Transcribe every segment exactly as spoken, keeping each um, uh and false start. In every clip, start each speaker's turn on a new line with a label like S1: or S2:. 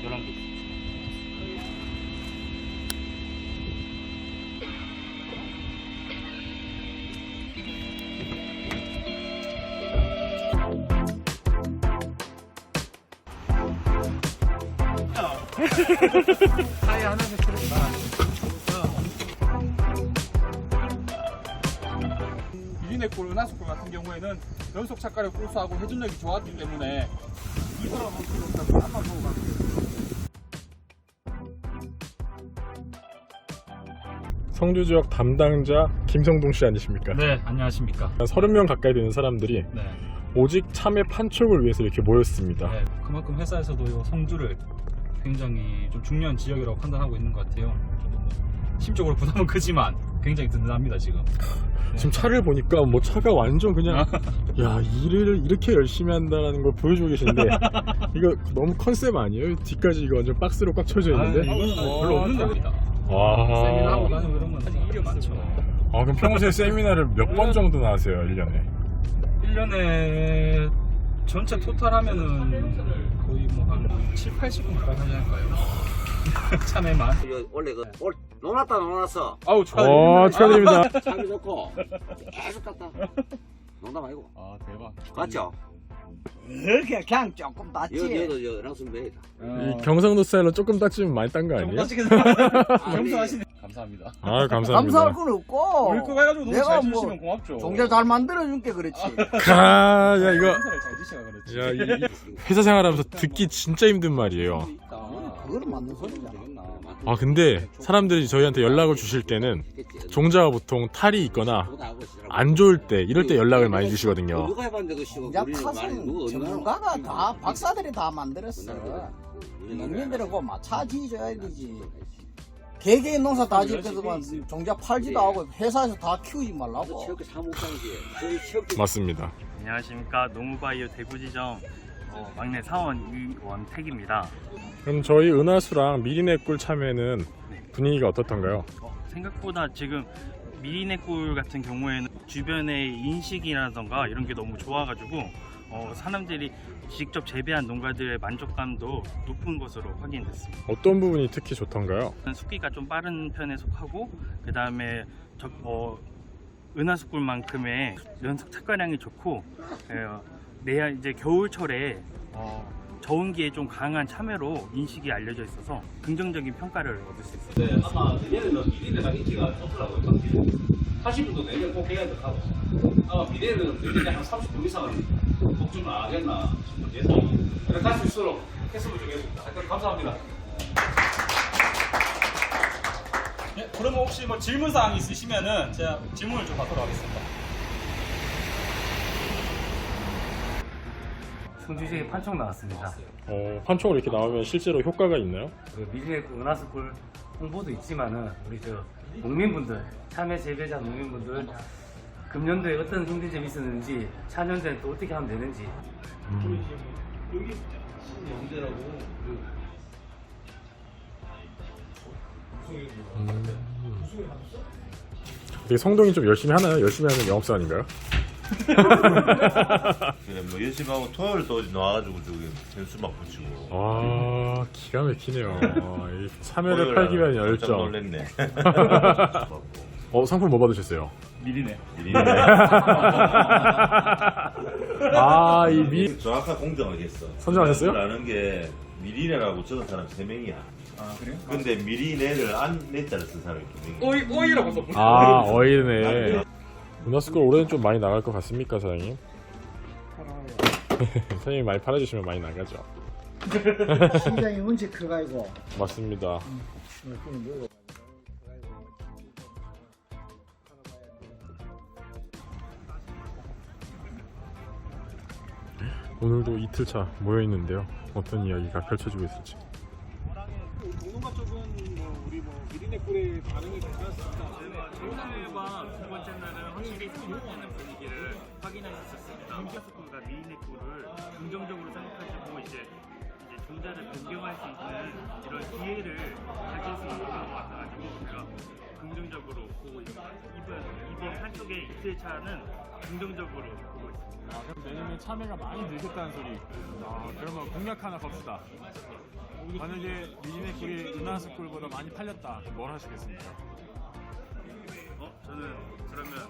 S1: 열한 개.
S2: 타이 하나씩 틀었다.
S3: 미리네골, 은하수골 같은 경우에는 연속 착가를 꿀수하고 회전력이 좋았기 때문에 이 사람은 한번 보고 갈게요.
S4: 성주 지역 담당자 김성동 씨 아니십니까?
S1: 네, 안녕하십니까.
S4: 서른 명 가까이 되는 사람들이
S1: 네.
S4: 오직 참외 판촉을 위해서 이렇게 모였습니다.
S1: 네, 그만큼 회사에서도 이 성주를 굉장히 좀 중요한 지역이라고 판단하고 있는 것 같아요. 저도 뭐 심적으로 부담은 크지만 굉장히 든든합니다 지금.
S4: 지금 차를 보니까 뭐 차가 완전 그냥 야 일을 이렇게 열심히 한다는 걸 보여주고 계신데 이거 너무 컨셉 아니에요? 뒤까지 이거 완전 박스로 꽉 쳐져 있는데.
S1: 아, 이거는 뭐 별로 없는 겁니다.
S4: 와.
S1: 세미나하고 나는 이런 건 아직 일이 많죠.
S4: 아 그럼 평소에 세미나를 몇 번 정도나 하세요 일 년에?
S1: 일 년에 전체 토탈 하면은 거의 뭐 한 칠, 팔십 분 가까이 하지 않을까요? 참외만.
S2: 이거 원래 그 올 놀았다 놀았어.
S3: 아우
S4: 어 축하드립니다.
S2: 참이 좋고 계속 갔다. 농담 아니고.
S3: 아 대박.
S2: 맞죠?
S5: 그렇게 그냥 조금
S2: 이거
S5: 낫지.
S2: 얘도 여 랑순배이다.
S4: 이 경상도 스타일로 조금 딱지면 많이 딴 거 아니에요?
S1: 겸손하시네. 감사합니다.
S4: 아 감사합니다.
S5: 감사할 건 없고.
S3: 우리 거 해가지고 너무
S5: 내가
S3: 잘
S5: 뭐
S3: 주시면 고맙죠.
S5: 종자 잘 만들어준 게 그렇지.
S4: 아, 야 이거
S3: 행사를 잘 주시면 그렇지.
S4: 야, 이, 이 회사 생활하면서 듣기 진짜 힘든 말이에요.
S5: 그거는 맞는 소리잖아.
S4: 아 근데 사람들이 저희한테 연락을 주실 때는 종자가 보통 탈이 있거나 안 좋을 때 이럴 때 연락을 많이 주시거든요.
S2: 누가 해봤는데 그 시고
S5: 종자 탓은 전문가가 다 박사들이 다 만들었어. 농민들은 그거 마차 지어줘야 되지. 개개인 농사 다 지어서만 종자 팔지도 하고 회사에서 다 키우지 말라고.
S2: 체육회 사무장이지.
S4: 맞습니다.
S6: 안녕하십니까. 농우바이오 대구지점 어, 막내 사원 이원택입니다.
S4: 그럼 저희 은하수랑 미리네 꿀 참외는 분위기가 어떻던가요?
S6: 어, 생각보다 지금 미리네꿀 같은 경우에는 주변의 인식이라던가 이런 게 너무 좋아가지고 어, 사람들이 직접 재배한 농가들의 만족감도 높은 것으로 확인됐습니다.
S4: 어떤 부분이 특히 좋던가요?
S6: 숙기가 좀 빠른 편에 속하고 그 다음에 어, 은하수꿀만큼의 연속 착과량이 좋고 어, 내야 이제 겨울철에 어, 저온기에 좀 강한 참외로 인식이 알려져 있어서 긍정적인 평가를 얻을 수 있습니다.
S7: 네, 아마 내년에는 미래가 인기가 좋더라고요. 당시 하신 분도 내년 꼭 해야 된다고. 아마 미래는 내년에 한 삼십 분 이상은 걱정을 안 하겠나 싶은 예상이. 그래 갈수 있도록 했으면 좋겠습니다. 하여튼 감사합니다.
S1: 네, 그러면 혹시 뭐 질문 사항 있으시면은 제가 질문을 좀 받도록 하겠습니다.
S8: 성주시에 판촉 나왔습니다.
S4: 어, 판촉으로 이렇게 나오면 실제로 효과가 있나요?
S8: 그 미리네 은하수꿀 홍보도 있지만은 우리 저 농민분들, 참외 재배자 농민분들 금년도에 어떤 힘든 점이 있었는지 차년도에 또 어떻게 하면 되는지.
S4: 음.
S7: 여기 연대라고
S4: 되게 성동이 좀 열심히 하나요? 열심히 하는 영업사 아닌가요?
S9: 그래 뭐 연습하고 토요일 또 나와가지고 저기 점수 막 붙이고.
S4: 아 기가 막히네요. 아, 이 참외를 팔기 위한
S9: 깜짝
S4: 열정.
S9: 놀랬네.
S4: 어 상품 뭐 받으셨어요?
S1: 미리네.
S4: 아이 미
S9: 정확한 공정을 했어.
S4: 선정하셨어요?
S9: 라는 게 미리네라고 적은 사람 세 명이야.
S1: 아 그래요?
S9: 근데 미리네를 안 내자를 쓴 사람이 두 명이야.
S1: 오이 오이라고 써.
S4: 아 어이네. 은하수꿀 올해는 좀 많이 나갈 것 같습니까 사장님? 사장님이 많이 팔아주시면 많이 나가죠.
S5: 심장이 문제 커가지고.
S4: 맞습니다. 오늘도 이틀차 모여있는데요. 어떤 이야기가 펼쳐지고 있을지.
S3: 농농가 쪽은 뭐 우리 뭐 미리네골의 반응이 괜찮았습니다.
S6: 정상회와 두 번째 날은 확실히 성공하는 분위기를 확인할 수 있었습니다. 은하수꿀과 미리네꿀을 긍정적으로 생각하시고 이제 이제 주자를 변경할 수 있는 이런 기회를 가질 수 있는 것 같아가지고 제가 긍정적으로 보고 있습니다. 이번 이번 한쪽의 이틀 차는 긍정적으로 보고 있습니다.
S4: 아, 그럼 내년에 참외가 많이 늘겠다는 소리. 아, 그러면 공약 하나 겁시다. 만약에 미진의 꿀이 은하수 꿀보다 많이 팔렸다. 그럼 뭘 하시겠습니까?
S6: 어? 저는 그러면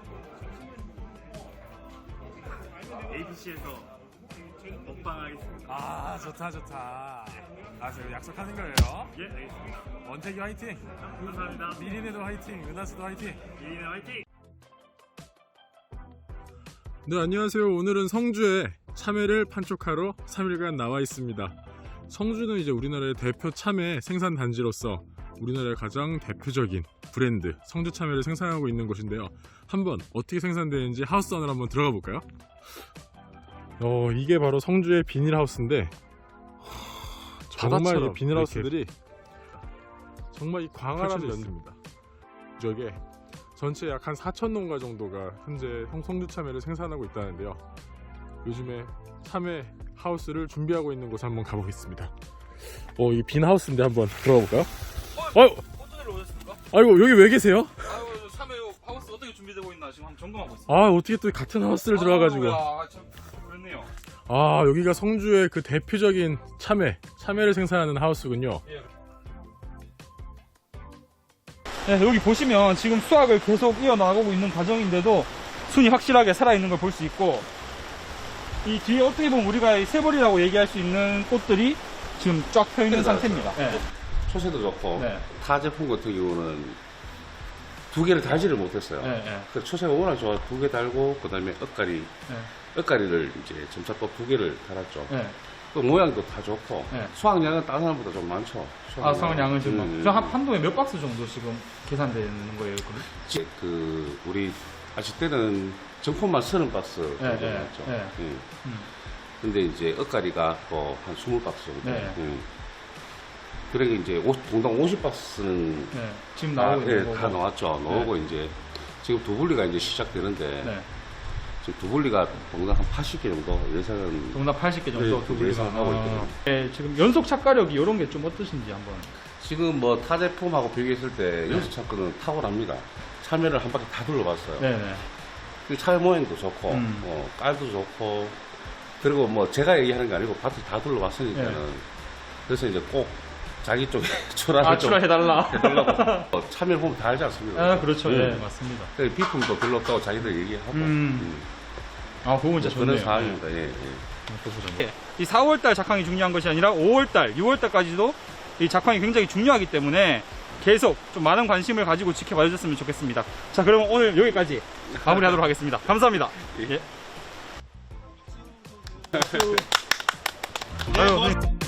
S6: 에이비씨에서 먹방하겠습니다.
S4: 아, 좋다 좋다. 아, 저 약속하는 거예요.
S6: 예, 알겠습니다.
S4: 원택이 화이팅.
S6: 감사합니다.
S4: 미린에도 화이팅. 은하수도 화이팅.
S6: 미리네 화이팅!
S4: 네, 안녕하세요. 오늘은 성주에 참외를 판촉하러 삼 일간 나와 있습니다. 성주는 이제 우리나라의 대표 참외 생산 단지로서 우리나라의 가장 대표적인 브랜드 성주 참외를 생산하고 있는 곳인데요. 한번 어떻게 생산되는지 하우스 안으로 한번 들어가 볼까요? 어, 이게 바로 성주의 비닐하우스인데 정말 이 비닐하우스들이 정말 이 광활한 면입니다. 저게 전체 약 한 사천 농가 정도가 현재 성주 참외를 생산하고 있다는데요. 요즘에 참외 하우스를 준비하고 있는 곳에 한번 가보겠습니다. 어, 이 빈 하우스인데 한번 들어가 볼까요? 어,
S1: 어떤 일로 오셨습니까?
S4: 아이고, 여기 왜 계세요?
S1: 아유, 참외 하우스 어떻게 준비되고 있나 지금 한번 점검하고 있습니다.
S4: 아, 어떻게 또 같은 하우스를 들어와가지고.
S1: 아, 참 그렇네요.
S4: 아, 여기가 성주의 그 대표적인 참외, 참외를 생산하는 하우스군요.
S1: 네, 여기 보시면 지금 수확을 계속 이어나가고 있는 과정인데도 순이 확실하게 살아있는 걸 볼 수 있고, 이 뒤에 어떻게 보면 우리가 이 새벌이라고 얘기할 수 있는 꽃들이 지금 쫙 펴있는 상태입니다. 네.
S2: 초세도 좋고
S1: 네.
S2: 타 제품 같은 경우는 두 개를 달지를 못했어요.
S1: 네, 네.
S2: 그래서 초세가 워낙 좋아 두 개 달고 그 다음에 엇가리
S1: 네.
S2: 엇가리를 이제 점차 또 두 개를 달았죠.
S1: 네.
S2: 또 모양도 다 좋고
S1: 네.
S2: 수확량은 다른 사람보다 좀 많죠.
S1: 아, 수확량은 지금
S2: 음,
S1: 그럼 한 판도에 몇 박스 정도 지금 계산되는 거예요? 그럼?
S2: 이제 그 우리 아실 때는 정품만 서른 박스
S1: 네,
S2: 정도
S1: 네,
S2: 나왔죠.
S1: 네.
S2: 예.
S1: 음.
S2: 근데 이제 엇가리가 또 한 스무 박스 정도.
S1: 네.
S2: 예. 그러니까 이제 오, 동당 오십 박스는
S1: 네. 지금
S2: 다,
S1: 나오고
S2: 예,
S1: 있는
S2: 다
S1: 거고.
S2: 나왔죠. 나오고 이제 지금 두 분리가 이제 시작되는데
S1: 네.
S2: 지금 두 분리가 동당 한 팔십 개 정도 예상은
S1: 동당 팔십 개 정도
S2: 네,
S1: 두 분리가.
S2: 예상하고
S1: 아,
S2: 있거든요.
S1: 네, 지금 연속 착가력이 이런 게 좀 어떠신지 한번.
S2: 지금 뭐 타 제품하고 비교했을 때 연수 차크는 탁월합니다. 참외를 한 바퀴 다 둘러봤어요.
S1: 네네.
S2: 그 참외 모양도 좋고
S1: 음.
S2: 어, 깔도 좋고 그리고 뭐 제가 얘기하는 게 아니고 밭을 다 둘러봤으니까는
S1: 네.
S2: 그래서 이제 꼭 자기 쪽에 출하를
S1: 아,
S2: 좀
S1: 출하해달라.
S2: 해달라고 어, 참외 보면 다 알지 않습니까?
S1: 아, 그렇죠.
S2: 음.
S1: 네, 맞습니다.
S2: 그래서 비품도 둘렀다고 자기들 얘기하고
S1: 음.
S2: 음.
S1: 아, 그건 진짜
S2: 그런
S1: 좋네요.
S2: 상황입니다. 예, 예.
S1: 네. 이 사월달 작황이 중요한 것이 아니라 오월달, 유월달까지도 이 작황이 굉장히 중요하기 때문에 계속 좀 많은 관심을 가지고 지켜봐 주셨으면 좋겠습니다. 자, 그러면 오늘 여기까지 마무리하도록 하겠습니다. 감사합니다. 예. 아유,